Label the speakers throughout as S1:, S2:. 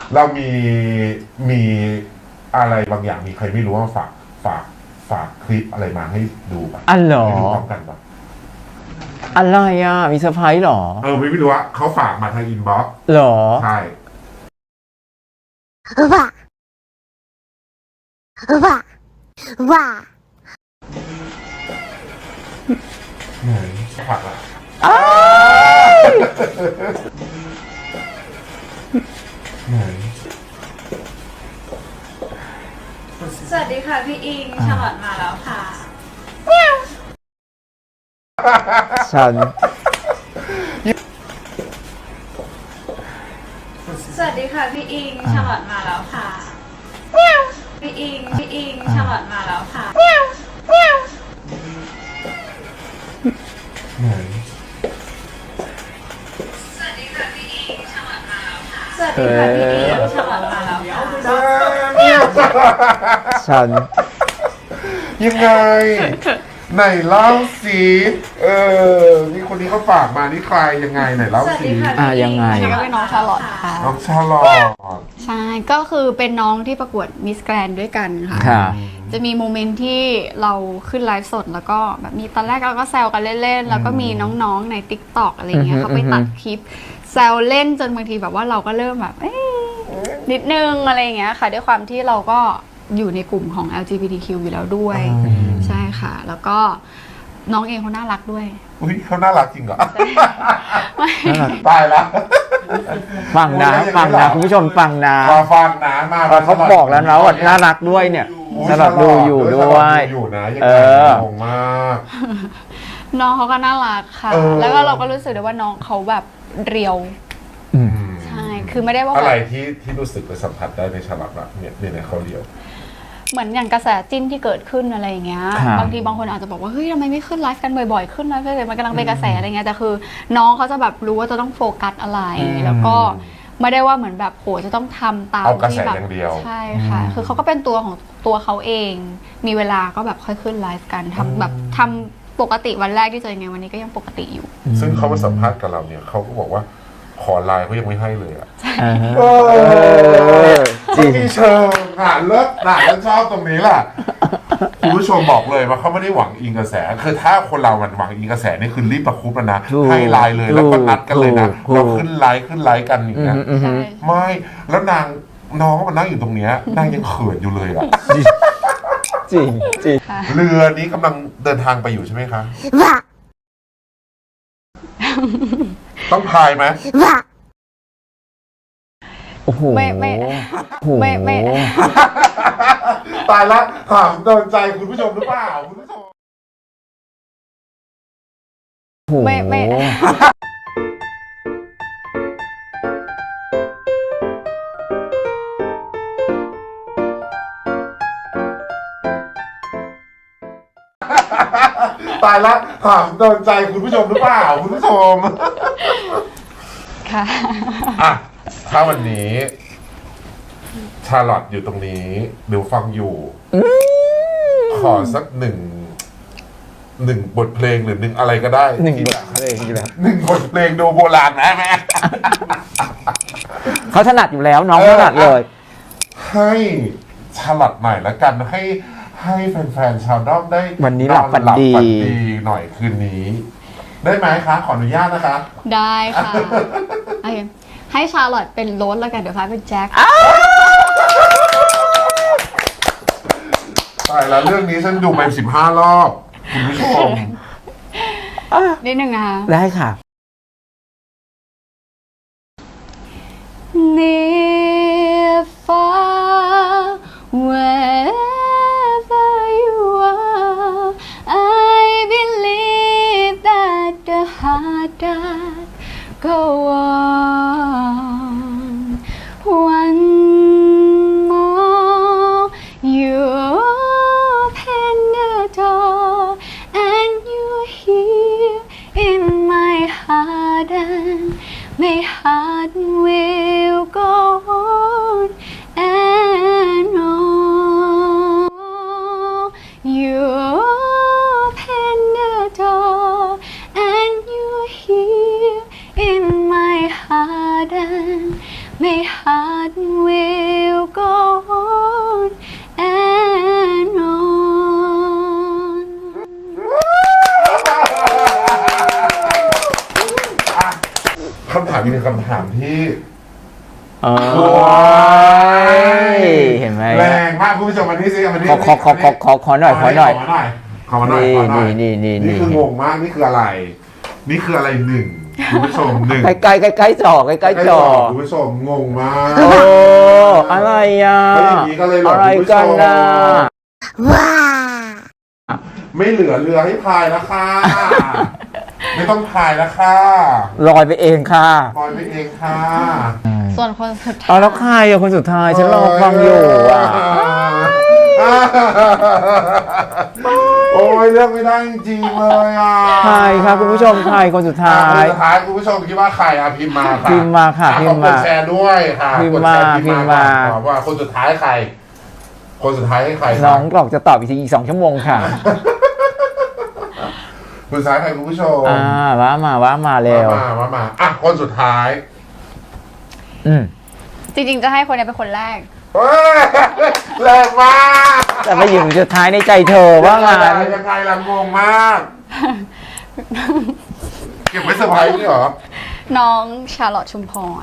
S1: เรามีอะไรบางอย่างมีใครไม่รู้ว่าฝากคลิปอะไรมาให้ดูป่ะ
S2: อ๋อเหรอ
S1: ให้ดูพร้อมกันป่ะ
S2: อะไรอ่ะมีเซอร์ไพรส์เหรอ
S1: ไม่รู้ว่าเขาฝากมาทางอินบ็อกซ์
S2: เหรอ
S1: ใช่
S3: 哇哇哇！
S1: ไหนฝากละ ไหน
S4: สวัสดีค่ะพี่อิงชาลอตมาแล้วค่ะ
S2: ฉัน
S4: สวัสดีค่ะพี่อิงชาลอตมาแล้วค่ะพี่อิงชาลอตมาแล้วค่ะ
S1: ไหน
S4: สวัสดีค่ะพี่อิงชาลอตมาแล้วค่ะสวัสดีค่ะพี่อิงชาลอตมาแล้วค่ะ
S2: ฉัน
S1: ยังไง ไหนเล่าสินี่คนนี้เขาฝากมานี่ใครยังไงไหนเล่า
S4: สวัส
S1: สิ
S4: ดีค่ะ
S2: ยังไง
S5: นี่ก็เป็นน้องชาลอตค่ะ
S1: น้องชาลอต
S5: ใช่ ก็คือเป็นน้องที่ประกวดมิสแกรนด้วยกันค่ะ
S2: ค่ะ
S5: จะมีโมเมนต์ที่เราขึ้นไลฟ์สดแล้วก็แบบมีตอนแรกเราก็แซวกันเล่นๆ แล้วก็มีน้องๆใน TikTok อะไรเงี้ยเขาไปตัดคลิปแซวเล่นจนบางทีแบบว่าเราก็เริ่มแบบนิดนึงอะไรอย่างเงี้ยค่ะ ด้วยความที่เราก็อยู่ในกลุ่มของ LGBTQ อยู่แล้วด้วย ใช่ค่ะ แล้วก็น้องเองเขาน่ารักด้วย
S1: อุ้ยเขาน่ารักจริงเหรอ
S2: น่ารัก
S1: ตายแล้ว
S2: ฟังนะ ฟังนะ คุณผู้ชมฟังนะ
S1: มาฟังนะมา
S2: เขาบอกแล้วนะว่าน่ารักด้วยเนี่ยสลับดูอยู่ด้วย
S1: อยู่นะยัง
S2: เอ
S1: ไง
S2: อ
S1: งงมาก
S5: น้องเขาก็น่ารักค่ะ
S1: เออ
S5: แล้วก็เราก็รู้สึกได้ว่าน้องเขาแบบเรียว ใช่ คือไม่ได้ว่า
S1: อะ
S5: แบ
S1: ไร
S5: บ
S1: ที่รู้สึกไปสัมผัสได้ในฉลับอะเนี่ยเขาเดียว
S5: เหมือนอย่างกระแสจิ้นที่เกิดขึ้นอะไรอย่างเงี้ย
S2: ครับ
S5: บางทีบางคนอาจจะบอกว่าเฮ้ยทำไมไม่ขึ้นไลฟ์กันบ่อยๆ ขึ้นไลฟ์เลยมันกำลังเป็นกระแสอะไรเงี้ย แต่คือน้องเขาจะแบบรู้ว่าจะต้องโฟกัสอะไร แล้วก็ไม่ได้ว่าเหมือนแบบโหจะต้องทำตาม
S1: เอากระแส
S5: ที่แบบ
S1: อย่างเดียว
S5: ใช่ค่ะ คือเขาก็เป็นตัวของตัวเขาเอง มีเวลาก็แบบค่อยขึ้นไลฟ์กันทำแบบทำปกติวันแรกที่เจอไงวันนี้ก็ยังปกติอยู่
S1: ซึ่งเขามาสัมภาษณ์กับเราเนี่ยเขาก็บอกว่าขอไลน์เขายังไม่ให้เลยอะ
S2: จริง
S1: มีเชิงเลิศแล้วชอบตรงนี้แหละคุณผู้ชมบอกเลยว่าเขาไม่ได้หวังอิงกระแสคือถ้าคนเรามันหวังอิงกระแสนี่คือรีบประคุบแล้วนะ
S2: ถูก
S1: ให้ไลน์เลยแล้วก็นัดกันเลยนะ
S2: ถูก
S1: เราขึ้นไลน์กันอย่างเงี้ย
S5: ใช่
S1: ไม่แล้วน้องมันนั่งอยู่ตรงเนี้ยนางยังเขินอยู่เลยอะ
S2: จริงจริง
S5: ค่ะ
S1: เรือนี้กำลังเดินทางไปอยู่ใช่ไหมคะ
S3: 哇
S1: ต้องพายไหม
S3: 哇！
S2: โอ้โห
S5: ไม่
S2: โอ้โห
S5: ไม่
S1: ตายละถามโดนใจคุณผู้ชมหรือเปล่าคุณผู้ชม
S2: โอ้โห
S5: ไม่
S1: ตายละถามโดนใจคุณผู้ชมหรือเปล่าคุณผู้ชม
S5: ค่ะ
S1: อ่ะถ้าวันนี้ ชาลอตอยู่ตรงนี้เดี๋ยวฟังอยู่ขอสักหนึ่งบทเพลงหรือหนึ่งอะไรก็ได้
S2: หนึ่ง
S1: ที่
S2: บทเพลงอยู่แล้ว
S1: หนึ่งบทเพลงดูโบราณนะแม่
S2: เขาถนัดอยู่แล้วน้องถนัดเลย
S1: ให้ชาลอตหน่อยละกันให้แฟนๆชาวด้อมได้
S2: วันนี้หลับฝันดี
S1: หน่อยคืนนี้ ได้ไหมคะ ขออนุญาตนะคะ
S5: ได้ค่ะโอเคให้ชาร์ลอตเป็นโรสแล้วกันเดี๋ยวฟ้าเป็นแจ็ค
S1: ตายแล้วเรื่องนี้ฉันดูไป15 รอบคุณผู้ชม
S5: นิดนึงนะคะ
S2: ได้ค่ะ
S5: Near far wherever you are I believe that the heart does go on one more you open the door and you're here in my heart and my heart will go on and on. You open the door and you're here in my heart.
S1: คำถามอีกหนึ่งคำถามที่
S2: โอ้ยเห็นไหม
S1: แรงมากคุณผู้ชมมานี่สิมานี่
S2: ขอหน่อย
S1: ขอมาหน่อยนี่คืองงมากนี่คืออะไร นี่คืออะไรหนึ่งคุณผู้ชมหนึ่ง
S2: ใกล้จอใกล้จอ
S1: คุณผู้ชมงงมาก
S2: โอ้อะไรอ่ะ
S1: ก็อย่างนี้ก็เลยหลอก
S2: อะไร
S1: คุณผู้ช
S2: กัน
S1: ม
S2: นะ
S3: ว้า
S1: ไม่เหลือเรือให้พายแล้วค่ะ ไม่ต้องพายแล้วค่ะ
S2: ลอยไปเองค่ะ
S1: ปล่อยไปเองค่ะ
S5: ส่วนคนสุดท้า
S2: เอา
S5: ย
S2: แล้วใครอะคนสุดท้ายฉันรอฟังอยู่อ่ะ
S1: โอ้ยเลือกไม่ได้จริงๆเลยอ่ะ
S2: ใครครับคุณผู้ชมใครคนสุดท้า
S1: คน
S2: ย
S1: สุดท้ายคุณผู้ชมคิดว่าใครอ่ะพิมพ์มาค่ะ
S2: พิมพ์มาค่ะพิมพ์มา
S1: กดแชร์ด้วยค่ะ
S2: พิมพ์
S1: กด
S2: มา
S1: แชร์
S2: พิมพ์มา
S1: ก่อนว่าคนสุดท้ายใคร คนสุดท้ายให้ใคร
S2: น้องกรอกจะตอบอีกทีอีก2 ชั่วโมงค่ะ
S1: คนสุดท้ายใครคุณผู้ชม
S2: ว่ามาเร็ว
S1: ว่ามาอ่ะคนสุดท้าย
S5: จริงๆจะให้คนนี้เป็นคนแรก
S1: เฮ้ยแรงมาก
S2: แต่ไปอยู่สุดท้ายในใจเธอว่างั้น
S1: ยังไงล่ะงงมากเก็บไว้เซอร์ไพรส์นี่เหรอ
S5: น้องชาร์ลอตชุมพร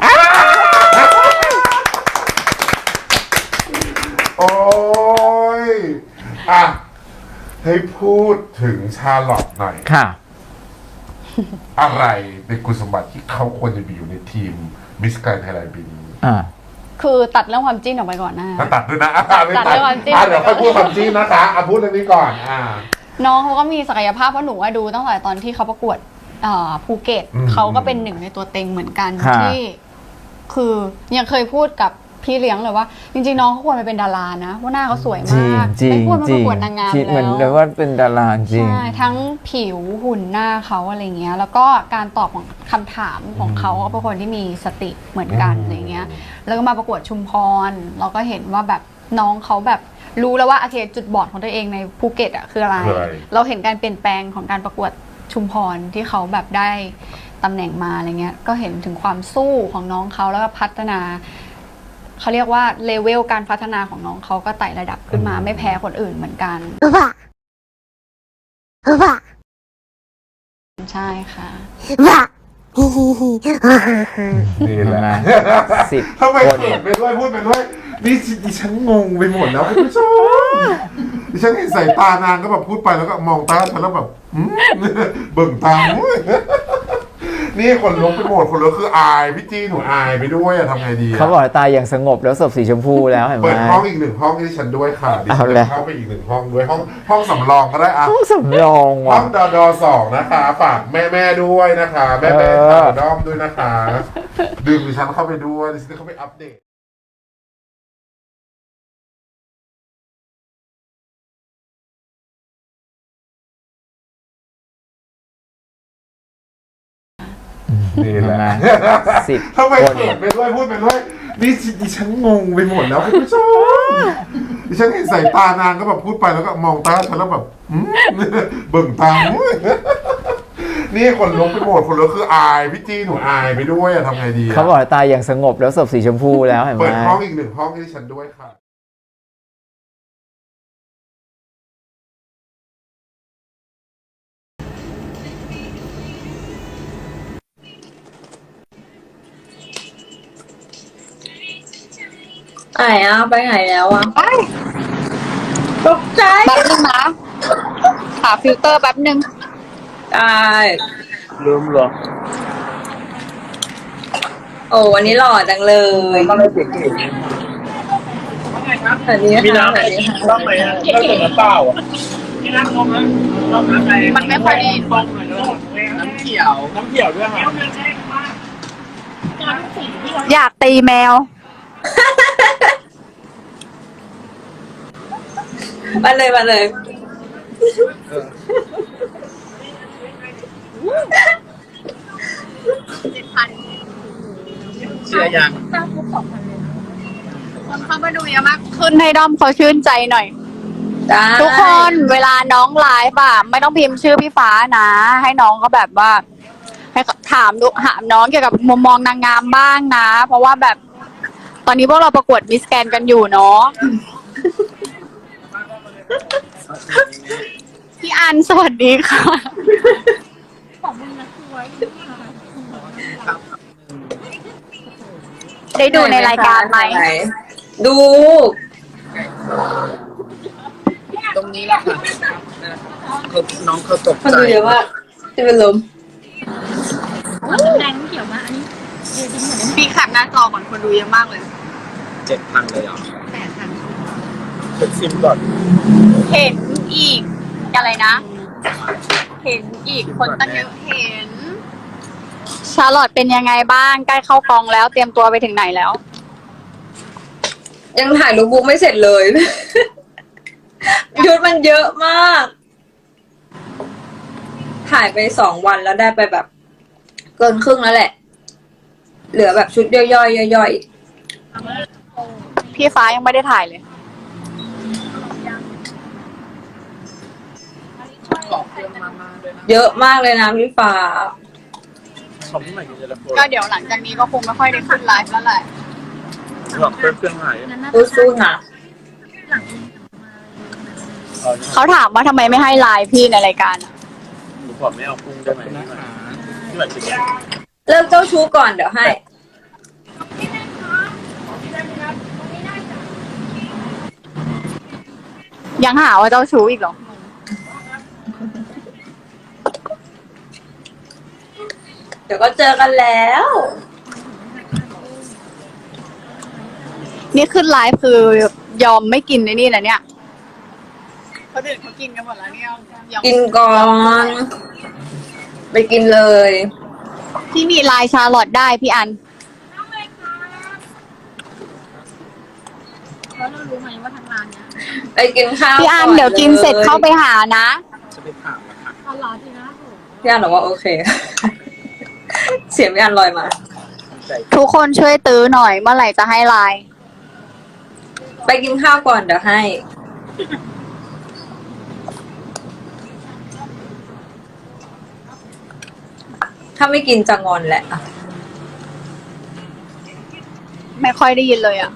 S1: โอ้ยอ่ะให้พูดถึงชาร์ลอตหน่อย
S2: ค่ะ
S1: อะไรเป็นคุณสมบัติที่เขาควรจะมีอยู่ในทีมมิสแกรนด์ไทยแลนด์ปีนี้
S5: คือตัดเรื่องความจิ้นออกไปก่อนหน้า
S1: ตัดด้วยนะไม่
S5: ตัดด้วยความจริง
S1: เดี๋ยวค่อยพูดความจริงนะคะพูดเรื่องนี้ก่อน
S5: น้องเขาก็มีศักยภาพเพราะหนูว่าดูตั้งแต่ตอนที่เขาประกวดภูเก็ตเขาก็เป็นหนึ่งในตัวเต็งเหมือนกัน
S2: ค่ะ
S5: ที่ คือยังเคยพูดกับพี่เลี้ยงเลยว่า จริงๆน้องเขาควรไปเป็นดารานะว่าหน้าเขาสวย
S2: จริง
S5: มาก
S2: จริง
S5: ไม่ควรมา
S2: จ
S5: ป
S2: ริ
S5: ระ
S2: ง
S5: กวดนางงาม
S2: เหมือนเล
S5: แล้
S2: ยว ว่าเป็นดาราจริง
S5: ใช่ทั้งผิวหุ่นหน้าเขาอะไรเงี้ย แล้วก็การตอบของคำถามของเขาก็เป็นคนที่มีสติเหมือนกันอะไรเงี้ย แล้วก็มาประกวดชุมพร เราก็เห็นว่าแบบน้องเขาแบบรู้แล้วว่าโอเคจุดบอดของตัวเองในภูเก็ตอ่ะคืออะไร เราเห็นการเปลี่ยนแปลงของการประกวดชุมพรที่เขาแบบได้ตำแหน่งมาอะไรเงี้ย ก็เห็นถึงความสู้ของน้องเขาแล้วก็พัฒนาเขาเรียกว่าเลเวลการพัฒนาของน้องเขาก็ไต่ระดับขึ้นมาไม่แพ้คนอื่นเหมือนกัน
S3: ว้าว้า
S5: ใช่ค่ะ
S3: ว้าฮิฮิฮิฮ่าฮ่าฮ่า
S1: นี่แหละ
S2: 10
S1: ทำไม
S2: คน
S1: เขินไปด้วยพูดไปด้วยนี่ดิฉันงงไปหมดแล้วคุณผู้ชมดิฉันเห็นสายตานางก็แบบพูดไปแล้วก็มองตาฉันแล้วแบบเบิ่งตานี่คนลุกไปหมดคนลุกคืออายพี่จี้หนูอายไปด้วยอะทำไงดี
S2: เขาบอกตายอย่างสงบแล้วศพสีชมพูแล้วเห็นไหม
S1: เปิดห้องอีก1 ห้องให้ฉันด้วยค่ะดิฉั
S2: เอา
S1: น
S2: เลย
S1: เข้าไปอีก1 ห้องด้วยห้องสำรองก็ได้อะ
S2: ต้องสำรอง
S1: ห้
S2: ว่ะ
S1: องด2นะคะฝากแม่ด้วยนะคะแม่ฝากด้อมด้วยนะคะดึงดิฉันเข้าไปด้วยดิฉันเข้าไปอัปเดตนี่แหละ
S2: 10
S1: ทำไม
S2: คน
S1: เขินไปด้วยพูดไปด้วยนี่ดิฉันงงไปหมดแล้วคุณผู้ชมดิฉันเห็นสายตานางก็แบบพูดไปแล้วก็มองตาฉันแล้วแบบเบิ่งตานี่คนลุกไปหมดคนลุกคืออายพี่จี้หนูอายไปด้วยอะทำไงดี
S2: เขาบอกตายอย่างสงบแล้วศพสีชมพูแล้วเห็นไหม
S1: เปิดห้องอีก1 ห้องให้ฉันด้วยค่ะ
S6: ไหนอ่ะไปไหนแล้วอ่ะตกใจ
S5: แป๊บนึงนะหาฟิลเตอร์แป๊บนึง
S6: ได้
S2: ลืมเหรอ
S6: โอ้วันนี้หล่อจังเลยสวัสดีค่ะมีน้ำไหมต้องไหมต้องถึงน้ำเปล่าอ่ะ
S5: มันไม่ค่อยดี
S6: น้ำเขียวด้วยค่ะ
S5: อยากตีแมว
S6: มาเลยมาเลย
S2: เชื่อยัง
S5: คนเข้ามาดูเยอะมากขึ้นให้ด้อมเขาชื่นใจหน่อย
S6: ได้
S5: ทุกคนเวลาน้องไลฟ์อะไม่ต้องพิมพ์ชื่อพี่ฟ้านะ ให้น้องเขาแบบว่า ให้ถามน้องเกี่ยวกับมุมมองนางงามบ้างนะ เพราะว่าแบบ ตอนนี้พวกเราประกวดมิสแกรนด์กันอยู่เนาะพี่อันสวัสดีค่ะได้ดูในรายการไหม
S6: ดู
S7: ตรงนี้แหละค่ะเขาน้องเขาตก
S6: คน
S7: ใจ
S6: ดูเยอะมากจะเป็นลม
S5: ปีแคปหน้าจอก่อนคนดูเยอะมากเลย
S7: 7,000เลยเหรอ
S5: 8,000
S7: เป็นซิมก่อน
S5: เห็นอีกอะไรนะ เห็นอีกคนตั้งเยอะเห็น ชาร์ลอตเป็นยังไงบ้างใกล้เข้ากองแล้วเตรียมตัวไปถึงไหนแล้ว
S6: ยังถ่ายรูปบุ๊กไม่เสร็จเลย ชุดมันเยอะมาก ถ่ายไป2 วันแล้วได้ไปแบบ เกินครึ่งแล้วแหละ เหลือแบบชุดย่อยๆย่อย
S5: พี่ฟ้ายังไม่ได้ถ่ายเลย
S7: บอกเครื่องมาด้วยนะ
S6: ๆเยอะมากเลยนะพี่ฟ้า
S7: ของพี่ใหม่กินเจลาโฟน
S5: ก็เดี๋ยวหลังจากนี้ก็คงไม่ค่อยได้ขึ้นไลฟ์แล้วแหละ
S7: บอกเครื่องหาย
S6: สู้ๆนะ
S5: เขาถามว่าทำไมไม่ให้ไลฟ์พี่ในรายการอะ
S7: หนูบอกไม่เอากุ้งได้ไหมพี่ใหม่กิน
S6: เลิกเจ้าชู้ก่อนเดี๋ยวให้
S5: ยังหาว่าเจ้าชู้อีกเหรอ
S6: เดี๋ยวก็เจอกันแล้ว
S5: นี่ขึ้นไลฟ์คือยอมไม่กินในนี่นะเนี่ยเขาดื่นเขากินกันหมดแล้วเนี่ยยอม
S6: กินก่อน ไปกินเลย
S5: พี่มีไลน์ชาร์ลอตได้พี่อัน
S6: ไปกินข้าว
S5: พี่อัน
S6: ก่
S5: เดี๋ยวกินเสร็จเข้าไป
S6: ลย
S5: หานะ
S7: จะไปถามนะคะ
S6: พี่อันบอกว่าโอเค เสียงพี่อันลอยมา
S7: ใจ
S5: ทุกคนช่วยตื้อหน่อยเมื่อไหร่จะให้ไลน์
S6: ไปกินข้าวก่อนเดี๋ยวให้ ถ้าไม่กินจะงอนแหละ
S5: ไม่ค่อยได้ยินเลยอ่ะ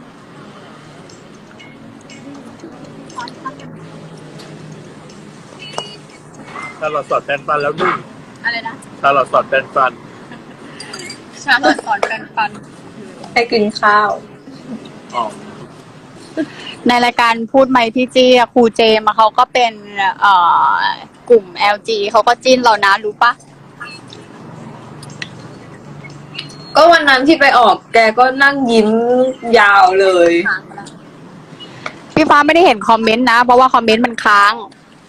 S7: ถ้าเราสอดแปรงฟันแล้วนึ่ง
S5: อะไรนะ
S7: ถ้าเราสอดแปรงฟัน
S5: ชาร์ลอตสอนกันฟัน
S6: ให้กินข้าว
S7: อ๋อ
S5: ในรายการพูดไหมพี่จี้อะครูเจมอะเขาก็เป็นกลุ่ม LG เขาก็จิ้นเรานะรู้ปะ
S6: ก็วันนั้นที่ไปออกแกก็นั่งยิ้มยาวเลย
S5: พี่ฟ้าไม่ได้เห็นคอมเมนต์นะ เพราะว่าคอมเมนต์มันค้าง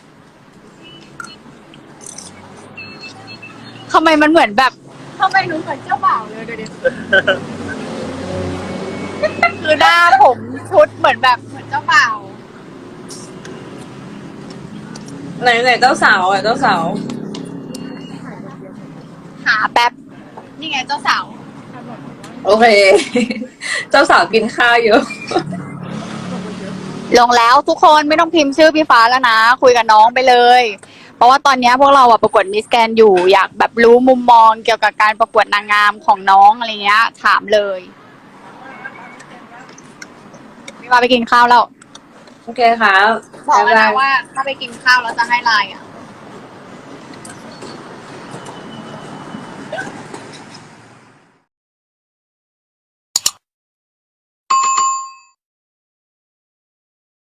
S5: ทำไมมันเหมือนแบบทำไมหนูเหมือนเจ้าบ่าวเลยเดี๋ยวคือหน้าผมชุดเหมือนแบบเหมือนเจ้าบ่าว
S6: ไหนเจ้าสาวอ่ะเจ้าสาว
S5: หาแป๊บ นี่ไงเจ้าสาว
S6: โอเค เจ้าสาวกินข้าวเยอะ
S5: ลงแล้วทุกคนไม่ต้องพิมพ์ชื่อพี่ฟ้าแล้วนะ คุยกับน้องไปเลย เพราะว่าตอนนี้พวกเราอะประกวดมิสแกนอยู่อยากแบบรู้มุมมองเกี่ยวกับการประกวดนางงามของน้องอะไรเงี้ย ถามเลยพี่ฟ้าไปกินข้าวแล้ว
S6: โอเคครับ
S5: บอกแล้ว
S6: บ๊าย
S5: นะ
S6: บาย
S5: ว่าถ้าไปกินข้าวแล้วจะให้ไลน์อ่ะ